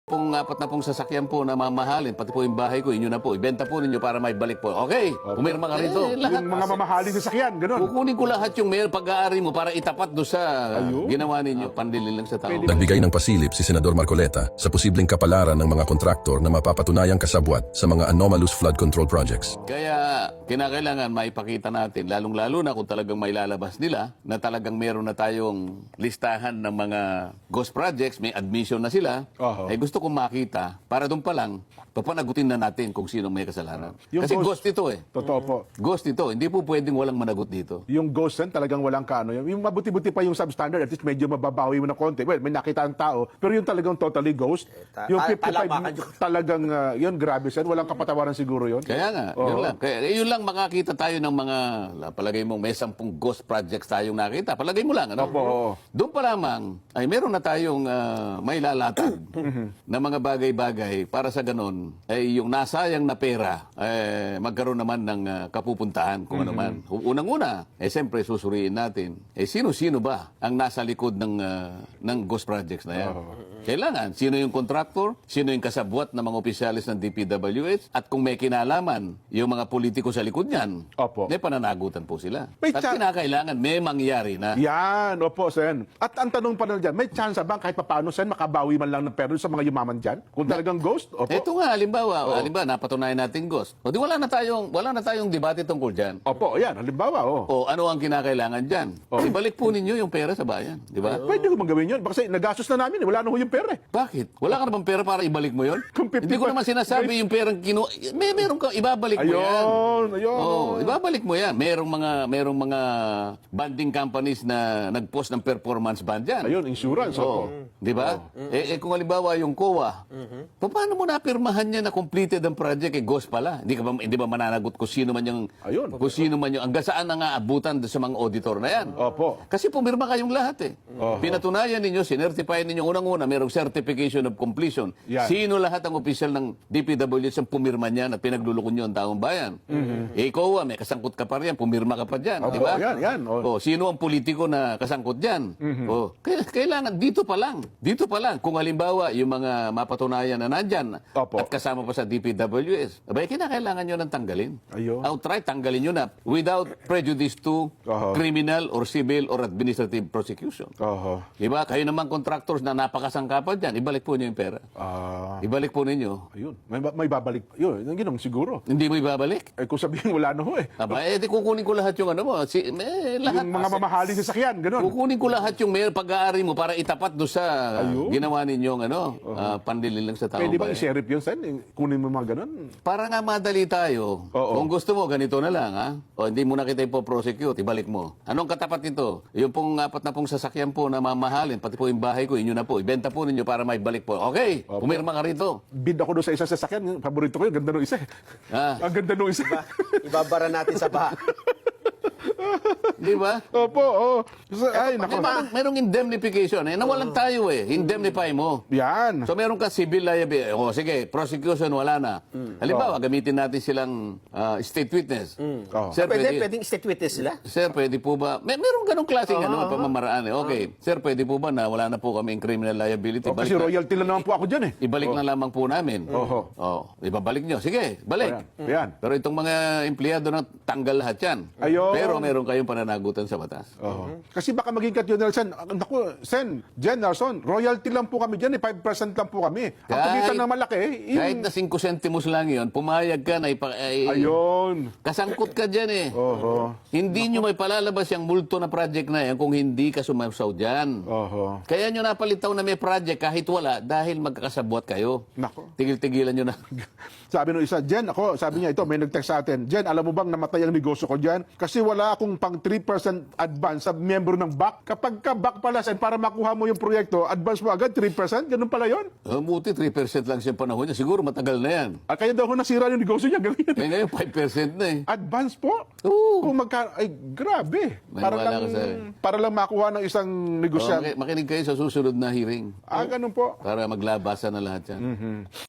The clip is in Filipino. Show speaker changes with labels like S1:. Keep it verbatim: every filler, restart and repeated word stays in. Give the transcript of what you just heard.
S1: Pong apat na pong sasakyan po na mamahalin, pati po yung bahay ko, inyo na po. Ibenta po ninyo para may balik po. Okay, pumirma ka rito.
S2: Eh, yung mga mamahaling sasakyan, gano'n.
S1: Kukunin ko lahat yung mayor pag-aari mo para itapat do sa ginawa ninyo. Pandilin lang sa tao.
S3: Nagbigay ng pasilip si Senador Marcoleta sa posibleng kapalaran ng mga kontraktor na mapapatunayang kasabwat sa mga anomalous flood control projects.
S1: Kaya kinakailangan maipakita natin, lalong-lalo na kung talagang may lalabas nila, na talagang meron na tayong listahan ng mga ghost projects, may admission na sila,
S2: Oho.
S1: ay gusto kong makita, para doon pa lang, papanagutin na natin kung sino may kasalanan.
S2: Yung
S1: Kasi
S2: ghost-
S1: ghost ito eh.
S2: Totoo po.
S1: Ghost ito, hindi po pwedeng walang managot dito.
S2: Yung ghost sen, talagang walang kano. Yung mabuti-buti pa yung substandard, at least medyo mababawi mo ng konti. Well, may nakita ang tao, pero yung talagang totally ghost,
S4: ta-
S2: yung
S4: ta-
S2: fifty-five,
S4: palamakan yun.
S2: talagang, uh, yun, grabe sen. Walang kapatawaran siguro yun.
S1: Kaya nga, yun lang. Kaya yun lang makakita tayo ng mga, palagay mo, may sampung ghost projects tayong nakita. Palagay mo lang, ano?
S2: Opo, oo.
S1: Doon pa lamang, ay meron na tayong ah, may lalatag na mga bagay-bagay para sa ganun, ay yung nasayang na pera, eh, magkaroon naman ng ah, kapupuntahan kung ano man. Unang-una, eh siyempre susuriin natin, eh sino-sino ba ang nasa likod ng, ah, ng ghost projects na yan? Kailangan, sino yung contractor, sino yung kasabwat ng mga opisyalis ng D P W H, at kung may kinalaman yung mga politiko sa likod niyan,
S2: Opo.
S1: may pananagutan po sila.
S2: May
S1: At
S2: cha-
S1: kinakailangan, may mangyari na.
S2: Yan, opo, sen. At ang tanong pa na dyan, may chance ba kahit paano, sen, makabawi man lang ng pera sa mga yumaman dyan? Kung talagang ghost, opo.
S1: Ito nga, halimbawa, halimbawa, napatunayan natin ghost. O di wala na tayong, wala na tayong debate tungkol dyan.
S2: Opo, yan, halimbawa, oh.
S1: O ano ang kinakailangan dyan? Ibalik po ninyo yung pera sa bayan, di ba?
S2: Pwede ko magawin yun. Kasi nagastos na namin, eh. Wala na ho yung pera. Eh.
S1: Bakit? Wala ka naman pera para ibalik mo yon?
S2: Kung fifty
S1: Hindi ko naman sinasabi yung perang kinu... May meron ka, ibabalik mo yan.
S2: Ayun, ayun.
S1: Oh, ibabalik mo yan. Merong mga merong mga banding companies na nag-post ng performance band yan.
S2: Ayun, insurance,
S1: Oo.
S2: opo.
S1: Di ba? Eh, eh kung halimbawa yung C O A, paano mo napirmahan niya na completed ang project? Eh, ghost pala. Hindi ka ba, hindi ba mananagot kung sino man yung...
S2: Ayun.
S1: Kung sino man yung... Hanggang saan na nga abutan sa mga auditor na yan?
S2: Opo.
S1: Kasi pumirma kayong lahat eh.
S2: Oho.
S1: Pinatunayan ninyo, sinertify ninyo unang-una, merong certification of completion.
S2: Yan.
S1: Sino lahat ang opisyal ng D P W S ang pumirma niyan at pinaglulukon nyo ang taong bayan? Eh, ikaw, ah, may kasangkot ka pa riyan, pumirma ka pa dyan.
S2: Opo,
S1: Di ba?
S2: yan, yan.
S1: Oh,
S2: Oh.
S1: sino ang politiko na kasangkot dyan? Oh, kaya- kailangan, dito pa lang. Dito pa lang. Kung halimbawa, yung mga mapatunayan na nandyan
S2: Opo.
S1: at kasama pa sa D P W S, abay, kinakailangan nyo nang tanggalin.
S2: Ayun.
S1: Outright, tanggalin nyo na without prejudice to
S2: Oho.
S1: criminal or civil or administrative prosecution.
S2: Oho.
S1: Diba? Kayo naman contractors na napakasangkapan dyan, ibalik po niyo yung pera.
S2: Ah,
S1: Ibalik po ninyo.
S2: ayun. May, may babalik. Yun, yung ginong siguro.
S1: Hindi mo ibabalik.
S2: Eh, kung sabihin wala na ho eh.
S1: Aba, eh, di kukunin ko lahat yung ano mo. Si, eh, lahat.
S2: Yung mga mamahaling sasakyan, gano'n.
S1: Kukunin ko lahat yung mayor pag-aari mo para itapat do sa
S2: Ayun.
S1: ginawa ninyong ano, ah, pandilin lang sa tao.
S2: Pwede ba i-sheriff yun, sen? Yung Kunin mo mga gano'n.
S1: Para nga madali tayo.
S2: Oo.
S1: Kung gusto mo, ganito na lang, ha? O hindi mo na kita ipoprosecute, ibalik mo. Anong katapat nito? Yung pong apat na pong sasakyan po na mamahalin, pati po yung bahay ko, inyo na po. Ibenta po ninyo para may balik po. Okay, pumirma ka rito.
S2: Bid ako doon sa isang sasakyan. Yung paborito ko yun. Ganda nung isa. eh.
S1: Ah.
S2: Ang ganda nung isa.
S4: Ibabara natin sa baha.
S1: Di ba?
S2: Opo, oo. So, ay,
S1: Eh,
S2: nako.
S1: merong, merong indemnification. Eh, nawalan tayo eh. Indemnify mo.
S2: Yan.
S1: So meron ka civil liability. O sige, prosecution wala na. Halimbawa, gamitin natin silang ah, state witness.
S2: Oh.
S1: Sir,
S4: Pwede,
S1: pwede,
S4: pwedeng state witness sila.
S1: sir, pwede po ba? May meron ganong klaseng ano, pamamaraan eh. Okay. Sir, pwede po ba na wala na po kami criminal liability?
S2: Oh, kasi
S1: Balik na-
S2: royalty lang naman po ako dyan eh.
S1: Ibalik na lamang po namin.
S2: Oho.
S1: Oh, ibabalik nyo. Sige, balik.
S2: Ayan. Ayan.
S1: Pero itong mga empleyado na tanggal lahat yan.
S2: Ayun.
S1: Pero meron kayong pananagutan sa batas.
S2: Oo. Kasi baka maging katyonel, Sen. Naku, Sen, Jen, Nelson, royalty lang po kami dyan eh. five percent lang po kami. Ang
S1: Kahit-
S2: pagitan ng malaki, yung...
S1: Kahit na five centimos lang yun, pumayag ka na ipa, ay,
S2: Ayun.
S1: kasangkot ka dyan eh.
S2: Oho.
S1: Hindi nyo may palalabas yung multo na project na yan kung hindi ka sumasaw dyan.
S2: Oho.
S1: Kaya nyo napalitaw na may project kahit wala dahil magkakasabwat kayo.
S2: Nako.
S1: Tigil-tigilan nyo na.
S2: Sabi nung isa, Jen, ako, sabi niya ito, may nag-text sa atin, Jen, alam mo bang namatay ang negosyo ko dyan? Kasi wala akong pang three percent advance sa miyembro ng B A C. Kapag ka B A C pala, Sen, para makuha mo yung proyekto, advance mo agad, three percent? Ganun pala yon.
S1: Oh, buti three percent lang siya panahon niya. Siguro matagal na yan.
S2: Ah, kaya daw ho nasira yung negosyo niya, ganun.
S1: Eh ngayon five percent na eh.
S2: Advance po?
S1: Oo.
S2: Kung magka... Ay, grabe. Para
S1: Maniwala
S2: lang,
S1: ka sa akin.
S2: para lang makuha ng isang
S1: Oh,
S2: negosyante.
S1: maki- makinig kayo sa susunod na hearing
S2: Ah, ganun po.
S1: para maglabasa na lahat yan.